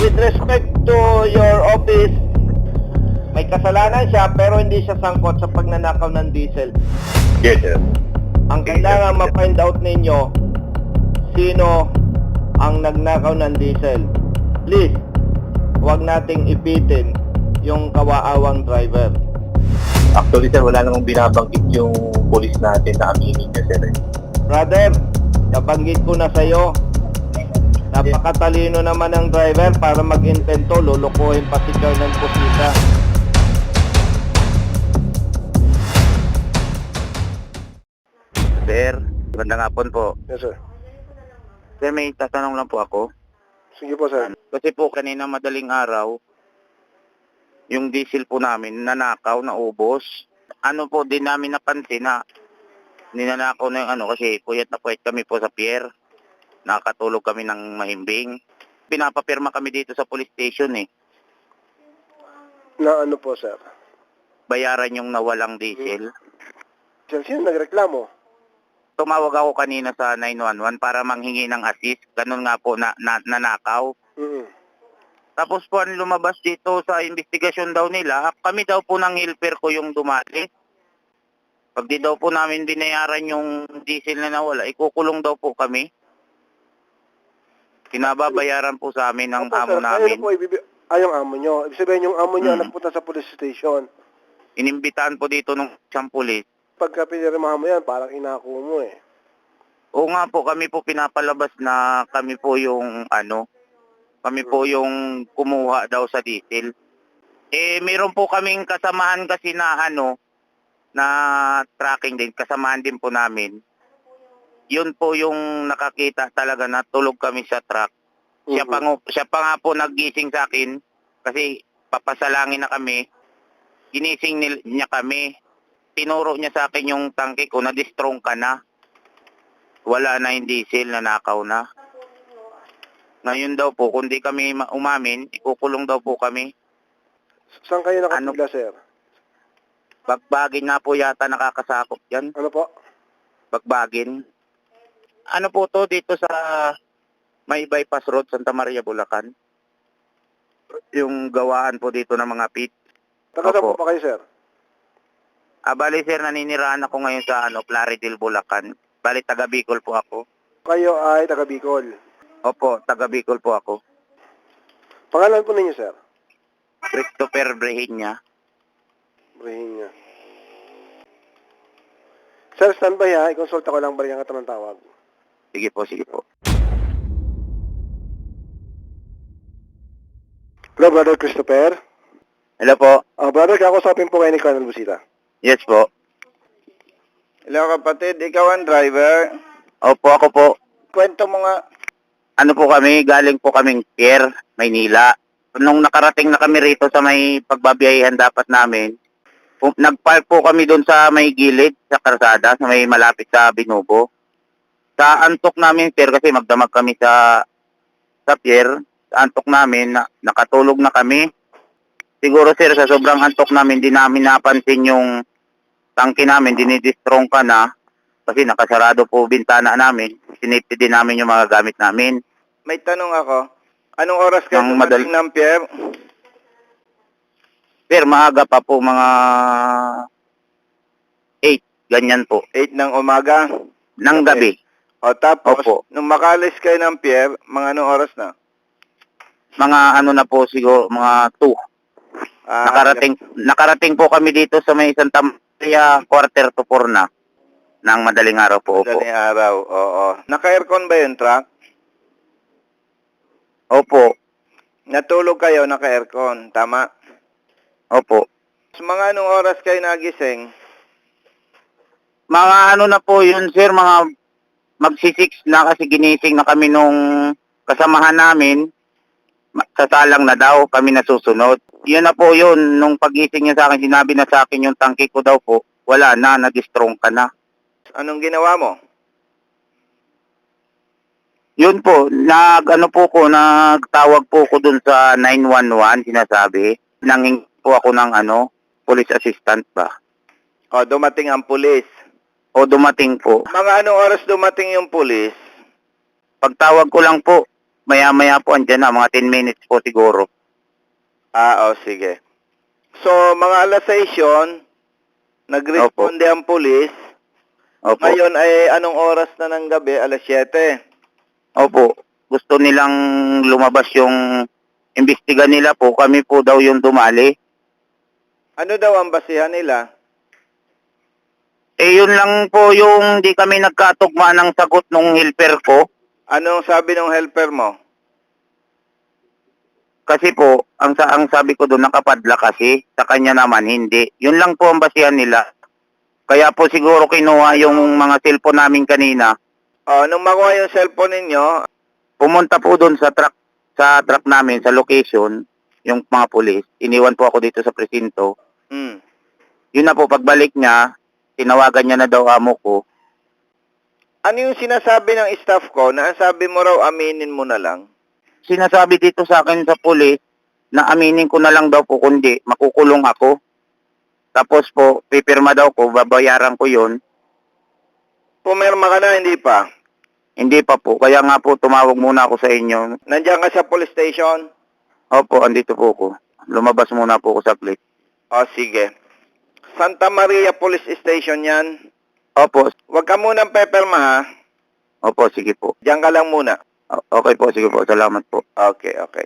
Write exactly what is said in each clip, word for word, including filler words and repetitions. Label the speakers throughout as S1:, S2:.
S1: with respect to your office, may kasalanan siya pero hindi siya sangkot sa pagnanakaw ng diesel.
S2: Yes, sir.
S1: Ang kailangan ma-find out ninyo, sino ang nagnakaw ng diesel. Please, huwag nating ipitin yung kawaawang driver.
S2: Actually, sir, wala namang binabanggit yung police natin na aminin niya, sir.
S1: Brother, nabanggit ko na sa'yo, napakatalino naman ng driver para mag-intento, lulukuhin pa si Colonel Pusita.
S3: Sir, magandang hapon po.
S4: Yes, sir.
S3: Sir, may tatanong lang po ako.
S4: Sige po, sir.
S3: Kasi po kanina madaling araw, yung diesel po namin nanakaw, naubos. Ano po din namin napansin na ninanakaw na yung ano kasi puyat na puyat kami po sa pier. Nakakatulog kami ng mahimbing. Pinapapirma kami dito sa police station eh.
S4: Na ano po, sir?
S3: Bayaran yung nawalang diesel.
S4: Sir, sino nagreklamo?
S3: Tumawag ako kanina sa nine one one para manghingi ng assist. Ganun nga po na, na nanakaw.
S4: Mm.
S3: Tapos po ang lumabas dito sa investigasyon daw nila, kami daw po ng helper ko yung dumali. Pag di daw po namin binayaran yung diesel na nawala, ikukulong daw po kami. Pinababayaran po sa amin ng
S4: Opo,
S3: amo
S4: sir.
S3: namin.
S4: Ayun po, ibibi- ay, yung amo nyo. Ibig sabihin, yung amo nyo
S3: Hmm.
S4: nagpunta sa police station.
S3: Inimbitahan po dito ng siyang pulis.
S4: Pagka pinirmahan mo yan, parang inako mo eh.
S3: Oo nga po, kami po pinapalabas na kami po yung ano, kami po yung kumuha daw sa diesel. Eh, meron po kaming kasamahan kasi na ano, na tracking din, kasamahan din po namin. Yun po yung nakakita talaga na tulog kami sa truck. Siya, pa, ngo- siya pa nga po naggising sa akin kasi papasalangin na kami. Ginising nil- niya kami. Tinuro niya sa akin yung tangke ko na distrong ka na. Wala na yung diesel, nanakaw na. Ngayon daw po, kung di kami ma- umamin, ikukulong daw po kami.
S4: Saan kayo
S3: Ano?
S4: nakapila, sir?
S3: Bagbagin na po yata nakakasakop yan.
S4: Ano po?
S3: Bagbagin. Ano po to dito sa may bypass road, Santa Maria, Bulacan? Yung gawaan po dito ng mga pit.
S4: Taga saan
S3: Opo.
S4: po ba kayo, sir?
S3: Ah, bali sir, naninirahan ako ngayon sa ano, Plaridel, Bulacan. Bali, taga Bicol po ako.
S4: Kayo ay taga Bicol.
S3: Opo, taga Bicol po ako.
S4: Pangalan po ninyo, sir?
S3: Christopher Brehinya.
S4: Brihin niya. Sir, standby ha. I-consulta ko lang balikan ka ng tawag.
S3: Sige po, sige po.
S4: Hello, Brother Christopher.
S3: Hello po.
S4: Ah, brother, kakusapin po kayo ni Colonel Busita.
S3: Yes po.
S5: Hello kapatid, ikaw ang driver.
S3: Opo, ako po.
S5: Kwento mo nga.
S3: Ano po kami, galing po kaming Pier, Maynila. Nung nakarating na kami rito sa may pagbabiyahan dapat namin, pu- nagpark po kami doon sa may gilid, sa karsada, sa may malapit sa Binubo. Sa antok namin, sir, kasi magdamag kami sa sa pier, sa antok namin, na, nakatulog na kami. Siguro, sir, sa sobrang antok namin, di namin napansin yung tangke namin, dinidistrong ka na, kasi nakasarado po bintana namin. Sinipid din namin yung mga gamit namin.
S5: May tanong ako. Anong oras kayo
S3: Ang
S5: dumating
S3: madal-
S5: ng pier?
S3: Sir, maaga pa po, mga eight, ganyan po,
S5: eight ng umaga.
S3: ng gabi.
S5: O tapos,
S3: Opo.
S5: nung makalis kayo ng pier, mga anong oras na?
S3: Mga ano na po siguro, mga two.
S5: Ah,
S3: Nakarating, nakarating po kami dito sa may Santa Maria, quarter to four na, ng madaling araw po. Opo.
S5: Madaling araw, oo. Naka-aircon ba yung truck?
S3: Opo.
S5: Natulog kayo, naka-aircon, tama?
S3: Opo.
S5: So, mga anong oras kayo nagising?
S3: Mga ano na po yun, sir, mga magsisix na kasi ginising na kami nung kasamahan namin. Ma- Sasalang na daw, kami nasusunod. Yun na po yun, nung pagising niya sa akin, sinabi na sa akin yung tangke ko daw po, wala na, nag-strong ka na.
S5: Anong ginawa mo?
S3: Yun po, nag ano po ko, nagtawag po ko dun sa nine one one, sinasabi. Nanging po ako ng ano, police assistant ba?
S5: O, dumating ang pulis.
S3: O dumating po.
S5: Mga anong oras dumating yung pulis?
S3: Pagtawag ko lang po, maya-maya po andyan na, mga ten minutes po siguro.
S5: Ah, o, sige. So, mga alas sais yun, nagresponde ang pulis.
S3: Opo.
S5: Ngayon ay anong oras na ng gabi? Alas siyete.
S3: Opo. Gusto nilang lumabas yung imbestiga nila po. Kami po daw yung dumali.
S5: Ano daw ang basihan nila?
S3: Eh, yun lang po yung di kami nagkatugma ng sagot nung helper ko.
S5: Anong sabi ng helper mo?
S3: Kasi po, ang, sa ang sabi ko doon, nakapadla kasi. Sa kanya naman, hindi. Yun lang po ang basihan nila. Kaya po siguro kinuha yung mga cellphone namin kanina.
S5: O, nung makuha yung cellphone ninyo,
S3: Pumunta po doon sa truck, sa truck namin, sa location, yung mga pulis. Iniwan po ako dito sa presinto.
S5: hmm,
S3: Yun na po, pagbalik niya, tinawagan niya na daw amo ko.
S5: ano yung sinasabi ng staff ko na ang sabi mo raw aminin mo na lang?
S3: Sinasabi dito sa akin sa pulis na aminin ko na lang daw po kundi makukulong ako. Tapos po, pipirma daw ko, babayaran ko yun.
S5: Pumirma ka na, hindi pa?
S3: Hindi pa po, kaya nga po tumawag muna ako sa inyo.
S5: Nandiyan ka sa police station?
S3: Opo, andito po ako. Lumabas muna po ako sa place.
S5: O, sige. Santa Maria Police Station yan.
S3: Opo,
S5: Huwag ka munang pepirma, ha?
S3: opo, sige po.
S5: Diyan ka lang muna.
S3: O- Okay po, sige po, salamat po.
S5: Okay, okay.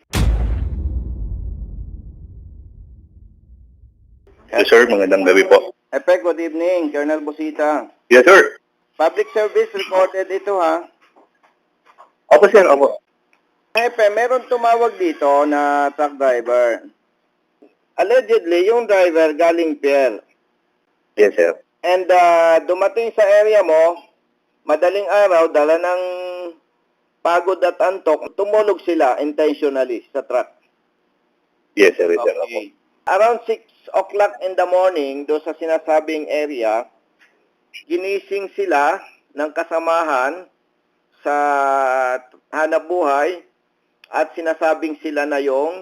S2: Yes, sir. Magandang gabi po.
S5: Epe, good evening. Colonel Busita.
S2: Yes, sir.
S5: Public service recorded ito, ha?
S2: Opo, sir. Opo.
S5: Epe, meron tumawag dito na truck driver. Allegedly, yung driver galing Pier.
S2: Yes, sir.
S5: And uh, dumating sa area mo, madaling araw, dala ng pagod at antok, tumulog sila intentionally sa truck.
S2: Yes, sir. Yes, sir. Opo.
S5: Okay. Around six o'clock in the morning, do sa sinasabing area, ginising sila ng kasamahan sa hanapbuhay at sinasabing sila na yung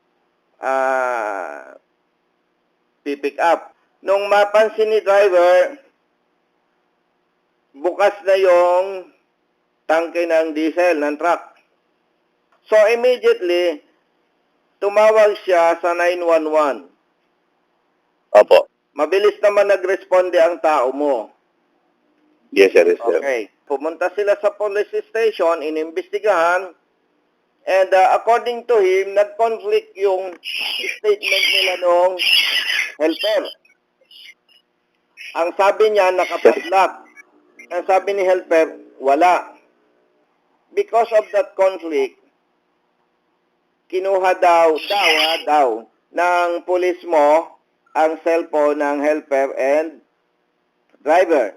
S5: ah pipick up. Nung mapansin ni driver, bukas na yung tangke ng diesel ng truck. So immediately, tumawag siya sa nine one one.
S2: Opo.
S5: Mabilis naman nagresponde ang tao mo.
S2: Yes, sir. Yes, sir.
S5: Okay. Pumunta sila sa police station, inimbestigahan, and uh, according to him, nag-conflict yung statement nila nung helper. Ang sabi niya, nakapadlock. Ang sabi ni helper, wala. Because of that conflict, kinuha daw, daw, ha, daw, ng pulis mo ang cellphone ng helper and driver.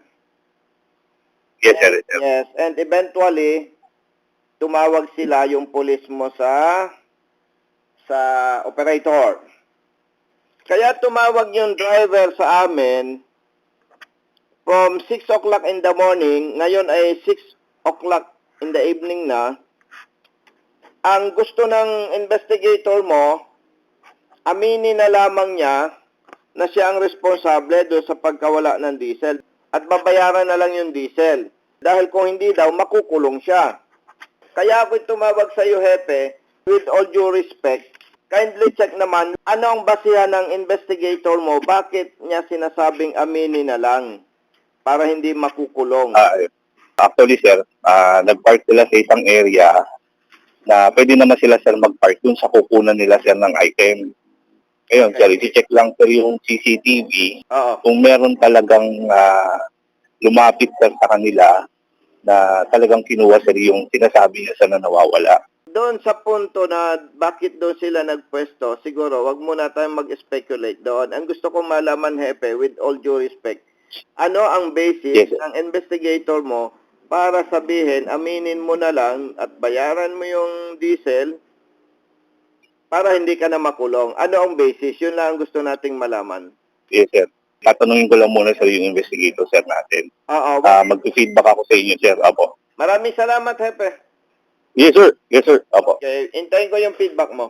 S2: Yes, sir. Yes, sir.
S5: Yes, and eventually, tumawag sila yung pulis mo sa sa operator. Kaya tumawag yung driver sa amin from six o'clock in the morning, ngayon ay six o'clock in the evening na. Ang gusto ng investigator mo, aminin na lamang niya na siya ang responsable doon sa pagkawala ng diesel at babayaran na lang yung diesel. Dahil kung hindi daw, makukulong siya. Kaya ako tumawag sa iyo, Hepe, with all due respect, kindly check naman, ano ang basihan ng investigator mo? Bakit niya sinasabing aminin na lang para hindi makukulong?
S2: Ah, actually, sir, ah, nag-park sila sa isang area na pwede naman sila, sir, mag-park dun sa kukunan nila, sir, ng item. Ngayon,
S5: Okay.
S2: sir, i-check lang, sir, yung C C T V.
S5: Oo.
S2: Kung meron talagang ah, lumapit, sir, sa kanila na talagang kinuha, sir, yung sinasabi niya, sir, na nawawala.
S5: Doon sa punto na bakit doon sila nagpwesto, siguro wag muna tayong mag-speculate doon. Ang gusto kong malaman, Hepe, with all due respect, ano ang basis
S2: Yes, sir.
S5: ng investigator mo para sabihin, aminin mo na lang at bayaran mo yung diesel para hindi ka na makulong. Ano ang basis? Yun lang ang gusto nating malaman.
S2: Yes, sir. Tatanungin ko lang muna, sir, yung investigator, sir, natin.
S5: Oo.
S2: Ah, mag-feedback ako sa inyo, sir. Apo.
S5: Maraming salamat, Hepe.
S2: Yes, sir. Yes, sir. Apo.
S5: Okay, hintayin ko yung feedback mo.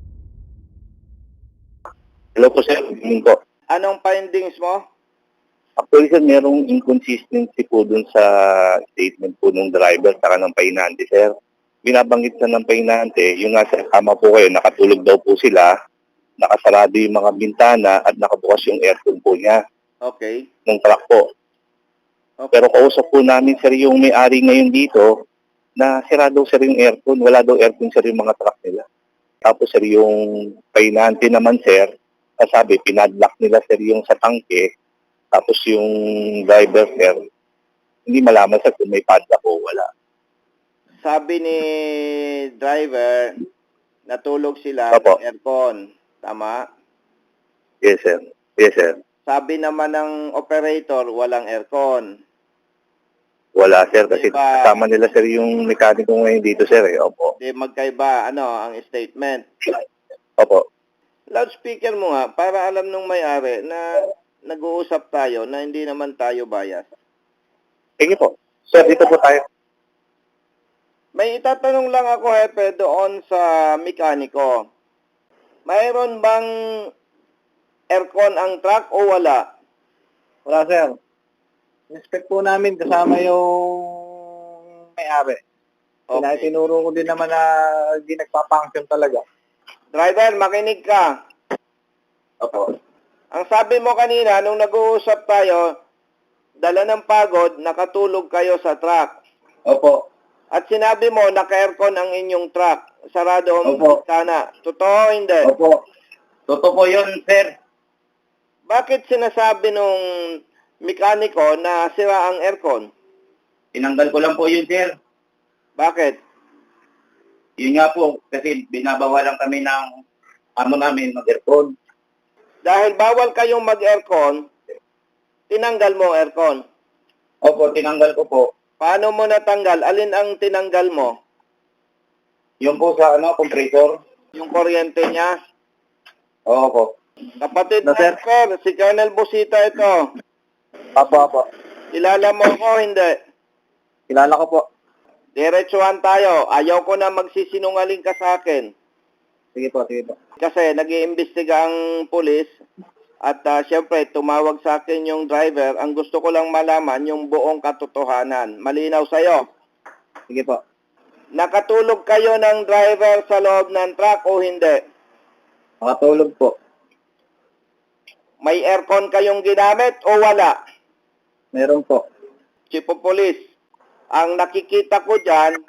S2: Hello po, sir. Good evening po.
S5: Anong findings mo?
S2: Actually, sir, merong inconsistency po dun sa statement po ng driver saka ng painante, sir. Binabanggit na ng painante, yung nga, sir, tama po kayo, nakatulog daw po sila, nakasarado yung mga bintana at nakabukas yung aircon po niya
S5: Okay.
S2: ng truck po.
S5: Okay.
S2: Pero kausap po namin, sir, yung may-ari ngayon dito, na sira daw, sir, yung aircon. Wala daw aircon, sir, yung mga truck nila. Tapos, sir, yung painante naman, sir, sabi, pinadlock nila, sir, yung sa tangke. Tapos yung driver, sir, hindi malaman, sir, kung may padlock o wala.
S5: Sabi ni driver, natulog sila
S2: Opo.
S5: ng aircon. Tama?
S2: Yes, sir. Yes, sir.
S5: Sabi naman ng operator, walang aircon.
S2: Wala, sir, kasi
S5: Diba?
S2: kasama nila, sir, yung mekaniko ngayon dito, sir, eh. Opo.
S5: Di magkaiba, ano, ang statement.
S2: Opo.
S5: Loudspeaker mo nga, para alam nung may-ari na nag-uusap tayo na hindi naman tayo bias.
S2: Sige po. Sir, dito po tayo.
S5: May itatanong lang ako, Hepe, doon sa mekaniko. Mayroon bang aircon ang truck o wala?
S6: Wala, sir. Inspect po namin kasama yung may-ari. Okay.
S5: Okay.
S6: Tinuro ko din naman na hindi nagpa-function talaga.
S5: Driver, makinig ka.
S2: Opo.
S5: Ang sabi mo kanina, nung nag-uusap tayo, dala ng pagod, nakatulog kayo sa truck.
S2: Opo.
S5: At sinabi mo, naka-aircon ang inyong truck. Sarado ang
S2: Opo.
S5: bintana. Totoo o hindi?
S2: Opo. Totoo po yun, sir.
S5: Bakit sinasabi nung mekaniko na sira ang aircon?
S2: Tinanggal ko lang po yun, sir.
S5: Bakit?
S2: Yun nga po, kasi binabawalan kami ng amo namin mag-aircon.
S5: Dahil bawal kayong mag-aircon, tinanggal mo ang aircon.
S2: Opo, tinanggal ko po.
S5: Paano mo natanggal? Alin ang tinanggal mo?
S2: Yung po sa ano, compressor.
S5: Yung kuryente niya?
S2: Oo po.
S5: Kapatid
S6: No, sir.
S5: driver, si Colonel Busita ito.
S6: Apo, apo.
S5: Kilala mo ko, hindi.
S6: Kilala ko po.
S5: Diretsuhan tayo. Ayaw ko na magsisinungaling ka sa akin.
S6: Sige po, sige po.
S5: Kasi nag-iimbestiga ang pulis at uh, syempre tumawag sa akin yung driver. Ang gusto ko lang malaman yung buong katotohanan. Malinaw sa'yo.
S6: Sige po.
S5: Nakatulog kayo ng driver sa loob ng truck o hindi?
S6: Makatulog po.
S5: May aircon kayong ginamit o wala?
S6: Meron po.
S5: Chief of Police, ang nakikita ko dyan,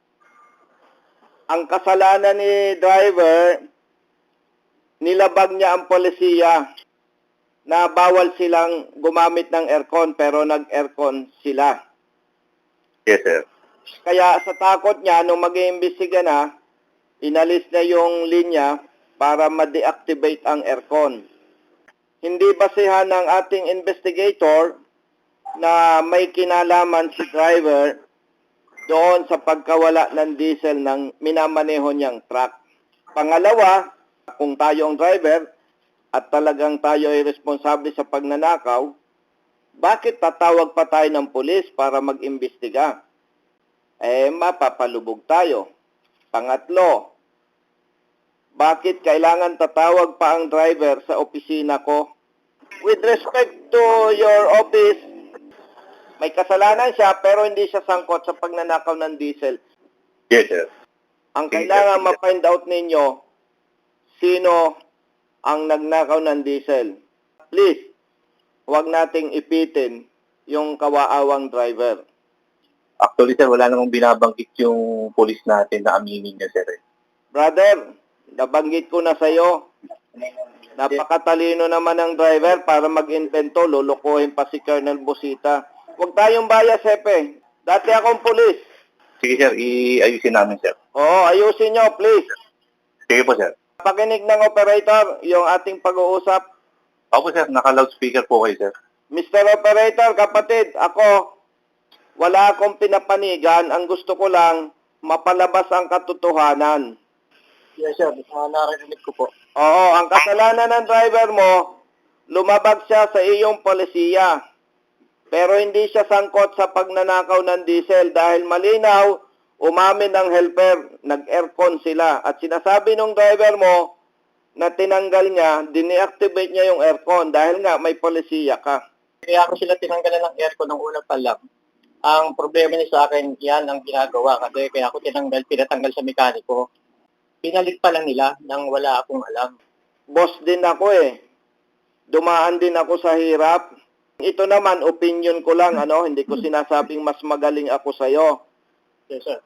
S5: ang kasalanan ni driver, nilabag niya ang polisiya na bawal silang gumamit ng aircon pero nag-aircon sila.
S2: Yes, sir.
S5: Kaya sa takot niya, nung mag-iimbestiga na, inalis na yung linya para ma-deactivate ang aircon. Hindi basehan ng ating investigator na may kinalaman si driver doon sa pagkawala ng diesel ng minamaneho niyang truck. Pangalawa, kung tayo ang driver at talagang tayo ay responsable sa pagnanakaw, bakit tatawag pa tayo ng pulis para mag-imbestiga? Eh, mapapalubog tayo. Pangatlo, bakit kailangan tatawag pa ang driver sa opisina ko? With respect to your office, may kasalanan siya pero hindi siya sangkot sa pagnanakaw ng diesel.
S2: Yes, sir.
S5: Ang kailangan ma-find out ninyo, sino ang nagnakaw ng diesel. Please, huwag nating ipitin yung kawaawang driver.
S2: Actually, sir, wala namang binabanggit yung police natin na aminin niya, sir. eh.
S5: Brother, nabanggit ko na sa'yo. Napakatalino naman ng driver para mag-invento, lulukuhin pa si Colonel Busita. Huwag tayong bias, Hepe. Dati akong pulis.
S2: Sige, sir, iayusin namin, sir.
S5: Oo, ayusin nyo, please.
S2: Sige po, sir.
S5: Pakinig ng operator, yung ating pag-uusap.
S2: Opo, sir, naka-loudspeaker po kayo, sir.
S5: Mister Operator, kapatid, ako, wala akong pinapanigan. Ang gusto ko lang, mapalabas ang katotohanan.
S6: Yes, sir. Uh, narinig ko po.
S5: Oo, ang kasalanan ng driver mo, lumabag siya sa iyong polisiya. Pero hindi siya sangkot sa pagnanakaw ng diesel dahil malinaw, umamin ng helper, nag-aircon sila. At sinasabi ng driver mo na tinanggal niya, dineactivate niya yung aircon dahil nga may polisiya ka.
S6: Kaya ako sila tinanggalan ng aircon ng una pa lang. Ang problema niya sa akin, yan ang ginagawa kasi kaya ako tinanggal, pinatanggal sa mekaniko. Pinalit pa lang nila nang wala akong alam.
S5: Boss din ako eh. Dumaan din ako sa hirap. Ito naman, opinion ko lang, ano, hindi ko sinasabing mas magaling ako sa'yo.
S6: Yes, sir.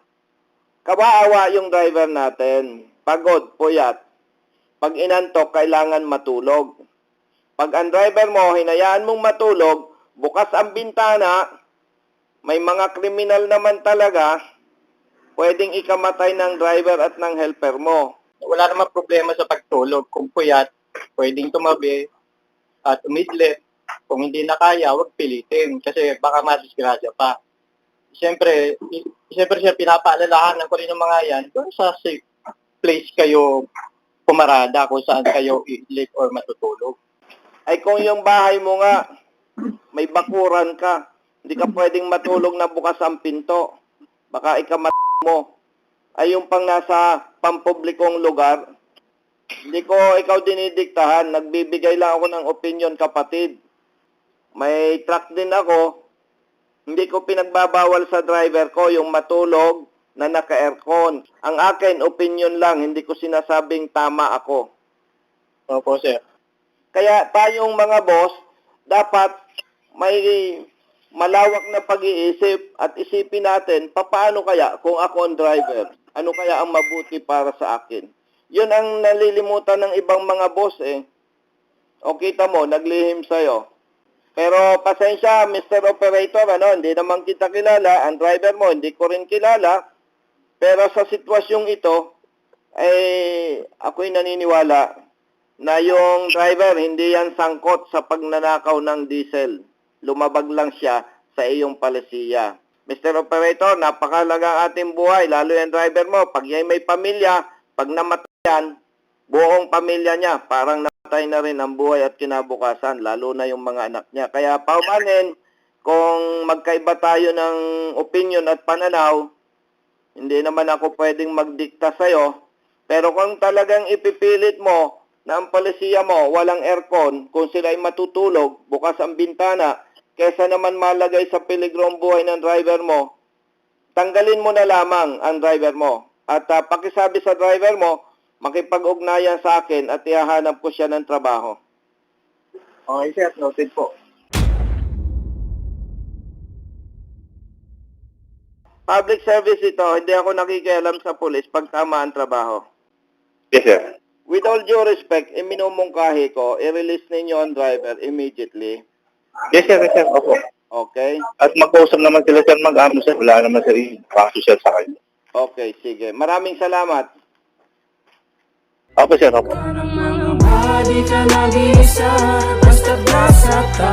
S5: Kawawa yung driver natin. Pagod, puyat. Pag inantok, kailangan matulog. Pag ang driver mo, hinayaan mong matulog, bukas ang bintana, may mga kriminal naman talaga, pwedeng ikamatay ng driver at ng helper mo.
S6: Wala namang problema sa pagtulog. Kung puyat, pwedeng tumabi at umidlit. Kung hindi na kaya, huwag pilitin kasi baka madisgrasya pa. Siyempre, i- siyempre siya pinapaalalahanan ko rin yung mga yan kung sa safe place kayo pumarada, kung saan kayo i-live or matutulog.
S5: Ay kung yung bahay mo nga, may bakuran ka, hindi ka pwedeng matulog na bukas ang pinto. Baka ikamat mo. Ay yung pang nasa pampublikong lugar, hindi ko ikaw dinidiktahan, nagbibigay lang ako ng opinion, kapatid. May truck din ako, hindi ko pinagbabawal sa driver ko yung matulog na naka-aircon. Ang akin, opinion lang, hindi ko sinasabing tama ako.
S6: Opo, sir.
S5: Kaya tayong mga boss, dapat may malawak na pag-iisip at isipin natin, paano kaya kung ako ang driver? Ano kaya ang mabuti para sa akin? Yun ang nalilimutan ng ibang mga boss eh. O kita mo, naglihim sa'yo. Pero pasensya, Mister Operator, ano, hindi naman kita kilala. Ang driver mo, hindi ko rin kilala. Pero sa sitwasyong ito, ay ako'y naniniwala na yung driver, hindi yan sangkot sa pagnanakaw ng diesel. Lumabag lang siya sa iyong palisiya. Mister Operator, napakalaga ang ating buhay, lalo yung driver mo. Pag yan may pamilya, pag namatay yan, buong pamilya niya, parang namatay na rin ang buhay at kinabukasan, lalo na yung mga anak niya. Kaya paumanin, kung magkaiba tayo ng opinion at pananaw, hindi naman ako pwedeng magdikta sa'yo. Pero kung talagang ipipilit mo na ang palisiya mo walang aircon, kung sila ay matutulog, bukas ang bintana, kesa naman malagay sa peligro ang buhay ng driver mo, tanggalin mo na lamang ang driver mo. At uh, pakisabi sa driver mo, makipag-ugnayan sa akin at ihahanap ko siya ng trabaho.
S6: Okay, sir. Noted po.
S5: Public service ito, hindi ako nakikialam sa pulis pag tama ang trabaho.
S2: Yes, sir.
S5: With all due respect, iminumungkahi ko, i-release ninyo ang driver immediately.
S2: Yes, sir. Yes, sir. Opo.
S5: Okay?
S2: At mag-usap naman sila, sir, mag-amo, sir. Wala naman, sir, yung sir sa kanya.
S5: Okay, sige. Maraming salamat.
S2: Opo, sir. Opo.
S7: Di ka nag-iisa, basta nasa ka.